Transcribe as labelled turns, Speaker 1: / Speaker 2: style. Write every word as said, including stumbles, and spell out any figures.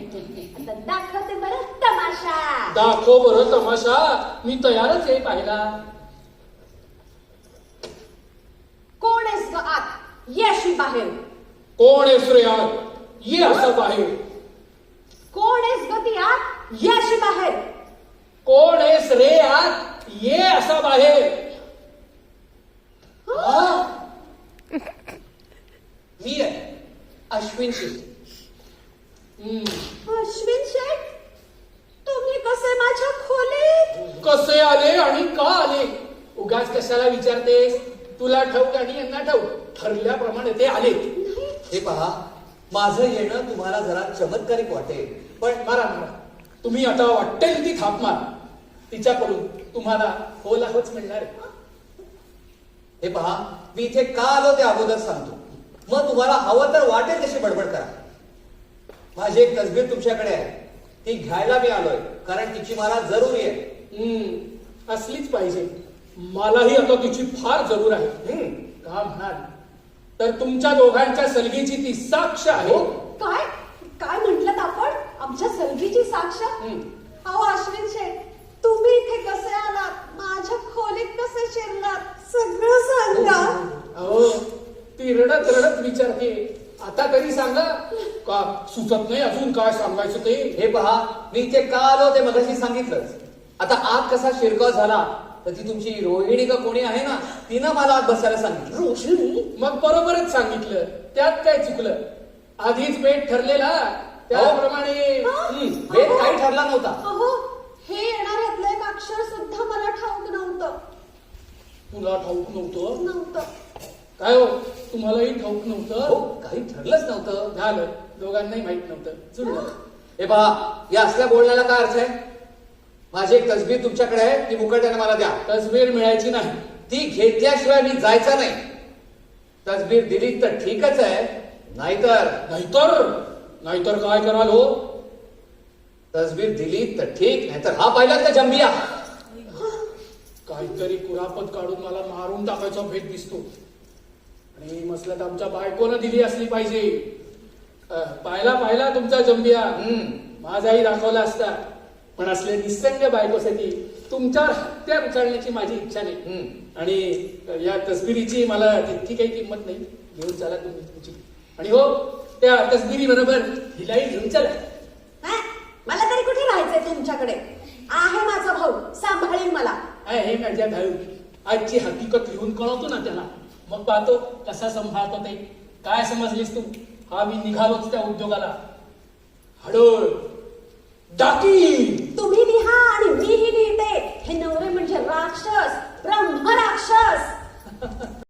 Speaker 1: आता दाखवते बरं तमाशा.
Speaker 2: दाखव बरं तमाशा. मी तयारच आहे पाहिला.
Speaker 1: कोण आहेस ग आत? ये अशी बाहेर.
Speaker 2: कोण आहेस रे आत? ये असं बाहेर.
Speaker 1: कोण आहेस ग ती आत? ये अशी बाहेर.
Speaker 2: कोण आहेस रे आत? ये असा बाहेर. हा?
Speaker 3: मी आहे अश्विन शेठ.
Speaker 2: हम्म.
Speaker 1: अश्विन शेठ, तुम्ही कसे माझ्या खोलीत?
Speaker 2: कसे आले आणि का आले? उगाच कशाला विचारतेस? तुला ठाऊक आणि यांना ठाऊक. ठरल्याप्रमाणे ते आले.
Speaker 3: हे पहा, माझं येणं तुम्हाला जरा चमत्कारिक वाटेल, पण
Speaker 2: मारा मारा. तुम्ही आता वाटेल ती थाप मारा. तिच्याकडून तुम्हाला होला होच मिळणार आहे.
Speaker 3: हे पहा, मी इथे का आलो ते अगोदर सांगतो, मग तुम्हाला हवं तर वाटेल तशी बडबड करा. माझी एक तसबीर तुमच्याकडे आहे, ती घ्यायला मी आलोय, कारण तिची मला जरुरी आहे.
Speaker 2: हम्म. असलीच पाहिजे. मलाही आता तिची फार जरूर आहे.
Speaker 3: हम्म.
Speaker 2: का म्हणाल तर तुमच्या दोघांच्या सलगीची ती साक्ष आहे.
Speaker 1: काय काय म्हटलं आपण? आमच्या सलगीची साक्ष?
Speaker 2: हम्म.
Speaker 1: अहो अश्विन शेठ, तुम्ही इथे कसे आलात? माझ्या खोलीत कसे शिरलात? सगळं सांगा.
Speaker 2: अहो ती रडत रडत विचारते. आता तरी सांगा. का सुचत नाही अजून काय सांगायचं ते?
Speaker 3: हे पहा, मी इथे का आलो ते मगाशी सांगितलंच. आता आत कसा शिरकाव झाला तर ती तुमची रोहिणी का कोणी आहे ना, तिनं मला आत बसायला सांगितलं.
Speaker 1: रोशनी?
Speaker 2: मग बरोबरच सांगितलं. त्यात काय चुकलं? आधीच बेट ठरलेला त्याप्रमाणे.
Speaker 1: हा?
Speaker 3: भेद काही ठरला नव्हता.
Speaker 1: अहो, हे येणाऱ्यातलं एक अक्षर सुद्धा मला ठाऊक नव्हतं.
Speaker 2: तुला ठाऊक नव्हतं?
Speaker 1: नव्हतं.
Speaker 2: काय हो, तुम्हालाही ठाऊक
Speaker 3: हो,
Speaker 2: नव्हतं?
Speaker 3: काही ठरलंच नव्हतं.
Speaker 2: झालं. दोघांनाही माहित नव्हतं. जुळलं.
Speaker 3: हे पहा, या असल्या बोलण्याला काय अर्थ आहे? माझी एक तसबीर तुमच्याकडे आहे, ती मुकट्याने मला द्या.
Speaker 2: तसबीर मिळायची नाही.
Speaker 3: ती घेतल्याशिवाय मी जायचा नाही. तसबीर दिली तर ठीकच आहे, नाहीतर
Speaker 2: नाहीतर नाहीतर काय कराल हो?
Speaker 3: तसबीर दिली तर ठीक, नाहीतर हा पाहिलात का जंबिया?
Speaker 2: काहीतरी कुरापत काढून मला मारून टाकायचा भेट दिसतो. आणि मसलत आमच्या बायकोनं दिली असली पाहिजे. अं, पाहिला पाहिला तुमचा जंबिया.
Speaker 3: हम्म.
Speaker 2: माझाही दाखवला असता. पण असले निसंग बायकोसाठी तुमच्यावर हत्या उचलण्याची माझी इच्छा नाही.
Speaker 3: हम्म.
Speaker 2: आणि या तसबिरीची मला तितकी काही किंमत नाही. घेऊन चला तुम्ही तुमची. आणि हो, त्या तसबिरी बरोबर हिलाही घेऊन चला.
Speaker 1: हा? मला तरी कुठे राहायचंय तुमच्याकडे? आहे माझा भाऊ, सांभाळेल मला.
Speaker 2: आहे हे माझ्या भाऊ. आजची हकीकत लिहून कळवतो ना त्याला, मग पाहतो कसा सांभाळतो ते. काय समजलीस तू? हा मी निघालोच त्या उद्योगाला. हडोळ डाकी.
Speaker 1: तुम्ही लिहा आणि मीही लिहिते. हे नवरे म्हणजे राक्षस, ब्रह्म राक्षस.